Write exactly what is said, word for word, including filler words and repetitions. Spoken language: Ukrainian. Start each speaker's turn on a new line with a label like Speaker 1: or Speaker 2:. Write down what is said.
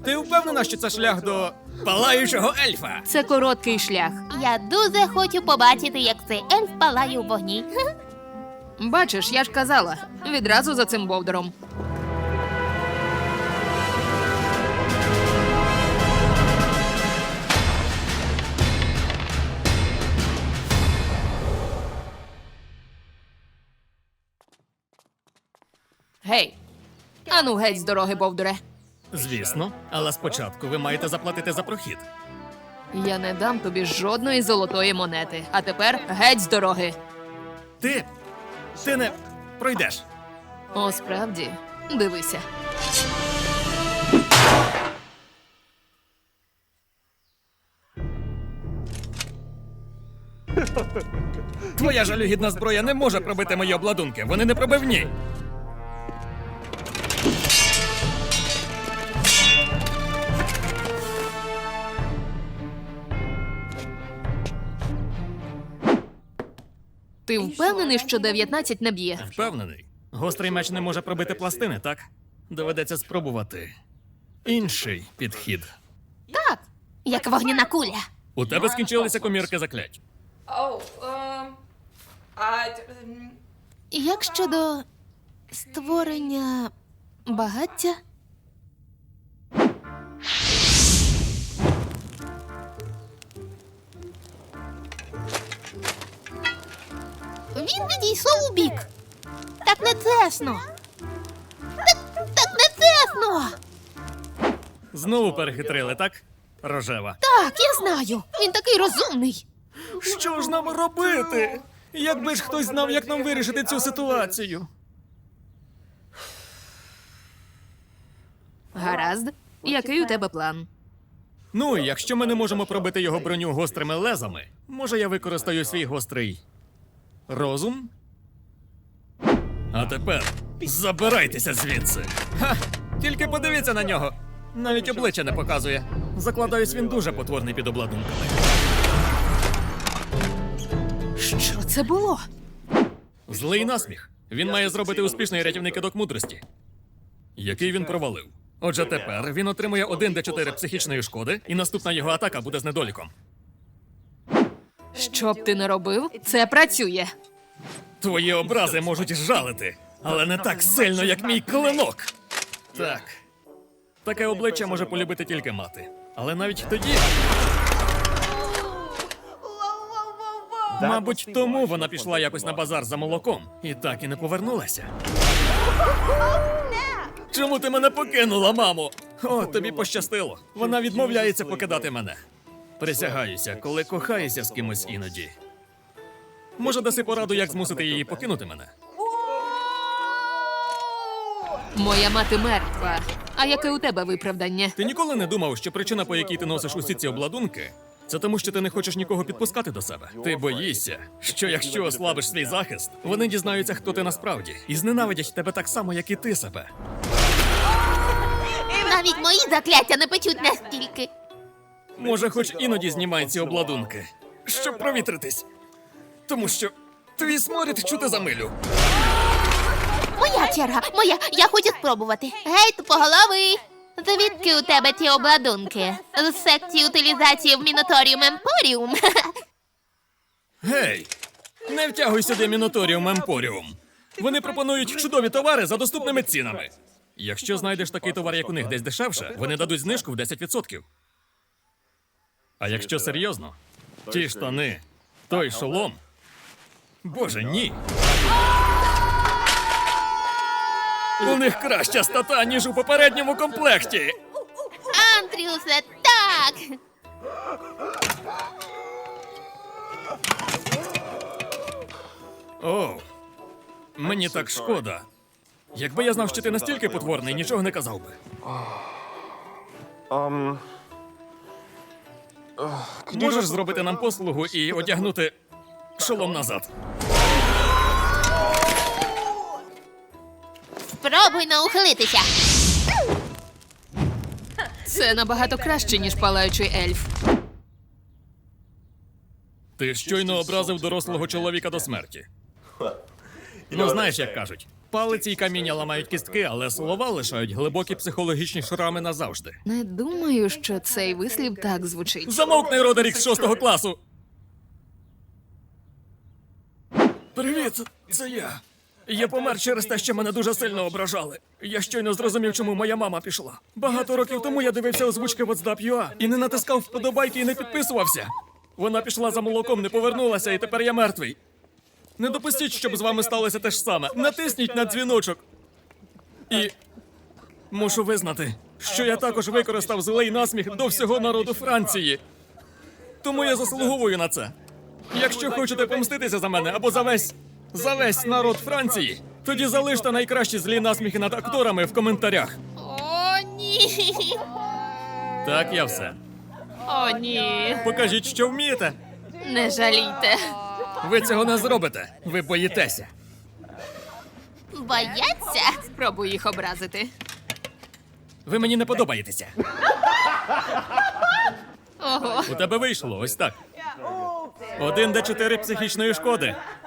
Speaker 1: Ти впевнена, що це шлях до палаючого ельфа?
Speaker 2: Це короткий шлях.
Speaker 3: Я дуже хочу побачити, як цей ельф палає у вогні.
Speaker 2: Бачиш, я ж казала. Відразу за цим бовдуром. Гей! Ану геть з дороги, бовдуре.
Speaker 1: Звісно, але спочатку ви маєте заплатити за прохід.
Speaker 2: Я не дам тобі жодної золотої монети. А тепер геть з дороги.
Speaker 1: Ти. Ти не пройдеш.
Speaker 2: О, справді, дивися.
Speaker 1: Твоя жалюгідна зброя не може пробити мої обладунки. Вони не пробивні.
Speaker 2: Ти впевнений, що дев'ятнадцять не б'є?
Speaker 1: Впевнений. Гострий меч не може пробити пластини, так? Доведеться спробувати. Інший підхід.
Speaker 3: Так, як вогняна куля.
Speaker 1: У тебе скінчилися комірки заклять.
Speaker 4: Oh, um, I, um,
Speaker 3: Як щодо створення багаття? Він відійшов у бік. Так не чесно. Так, так не чесно.
Speaker 1: Знову перехитрили, так? Рожева.
Speaker 3: Так, я знаю. Він такий розумний.
Speaker 1: Що ж нам робити? Якби ж хтось знав, як нам вирішити цю ситуацію.
Speaker 2: Гаразд. Який у тебе план?
Speaker 1: Ну, якщо ми не можемо пробити його броню гострими лезами, може я використаю свій гострий розум? А тепер забирайтеся звідси. Ха! Тільки подивіться на нього. Навіть обличчя не показує. Закладаюсь, він дуже потворний під обладунками.
Speaker 2: Що це було?
Speaker 1: Злий насміх. Він має зробити успішний рятівний кидок мудрості, який він провалив. Отже, тепер він отримує один де чотири психічної шкоди, і наступна його атака буде з недоліком.
Speaker 2: Що б ти не робив, це працює.
Speaker 1: Твої образи можуть жалити, але не так сильно, як мій клинок. Так. Таке обличчя може полюбити тільки мати. Але навіть тоді. Мабуть, тому вона пішла якось на базар за молоком і так і не повернулася. Чому ти мене покинула, мамо? О, тобі пощастило. Вона відмовляється покидати мене. Присягаюся, коли кохаєшся з кимось іноді. Може, даси пораду, як змусити її покинути мене?
Speaker 2: Моя мати мертва. А яке у тебе виправдання?
Speaker 1: Ти ніколи не думав, що причина, по якій ти носиш усі ці обладунки, це тому, що ти не хочеш нікого підпускати до себе. Ти боїшся, що якщо ослабиш свій захист, вони дізнаються, хто ти насправді, і зненавидять тебе так само, як і ти себе.
Speaker 3: Навіть мої закляття не печуть настільки.
Speaker 1: Може, хоч іноді знімай ці обладунки, щоб провітритись. Тому що твій сморід чути за милю.
Speaker 3: Моя черга, моя, я хочу спробувати. Гей, тупоголовий! Звідки у тебе ті обладунки? З секції утилізації в Міноторіум Емпоріум.
Speaker 1: Гей! Не втягуй сюди Міноторіум Емпоріум. Вони пропонують чудові товари за доступними цінами. Якщо знайдеш такий товар, як у них десь дешевше, вони дадуть знижку в десять відсотків. А якщо серйозно, ті штани, той шолом. Боже, ні. У них краща стата, ніж у попередньому комплекті.
Speaker 3: Андрюсе, так!
Speaker 1: О, мені так шкода. Якби я знав, що ти настільки потворний, нічого не казав би.
Speaker 5: Um.
Speaker 1: Можеш зробити нам послугу і одягнути шолом назад?
Speaker 3: Спробуй наухилитися.
Speaker 2: Це набагато краще, ніж палаючий ельф.
Speaker 1: Ти щойно образив дорослого чоловіка до смерті. Ну, знаєш, як кажуть, Палиці й каміння ламають кістки, але слова лишають глибокі психологічні шрами назавжди.
Speaker 2: Не думаю, що цей вислів так звучить.
Speaker 1: Замовкни, Родерік з шостого класу! Привіт, це я. Я помер через те, що мене дуже сильно ображали. Я щойно зрозумів, чому моя мама пішла. Багато років тому я дивився озвучки WhatsApp.ua і не натискав вподобайки і не підписувався. Вона пішла за молоком, не повернулася, і тепер я мертвий. Не допустіть, щоб з вами сталося те ж саме. Натисніть на дзвіночок. І мушу визнати, що я також використав злий насміх до всього народу Франції. Тому я заслуговую на це. Якщо хочете помститися за мене або за весь, за весь народ Франції, тоді залиште найкращі злі насміхи над акторами в коментарях.
Speaker 3: О, ні.
Speaker 1: Так, я все.
Speaker 2: О, ні.
Speaker 1: Покажіть, що вмієте.
Speaker 2: Не жалійте.
Speaker 1: Ви цього не зробите. Ви боїтеся.
Speaker 3: Бояться?
Speaker 2: Спробуй їх образити.
Speaker 1: Ви мені не подобаєтеся.
Speaker 2: Ого.
Speaker 1: У тебе вийшло ось так. Один де чотири психічної шкоди.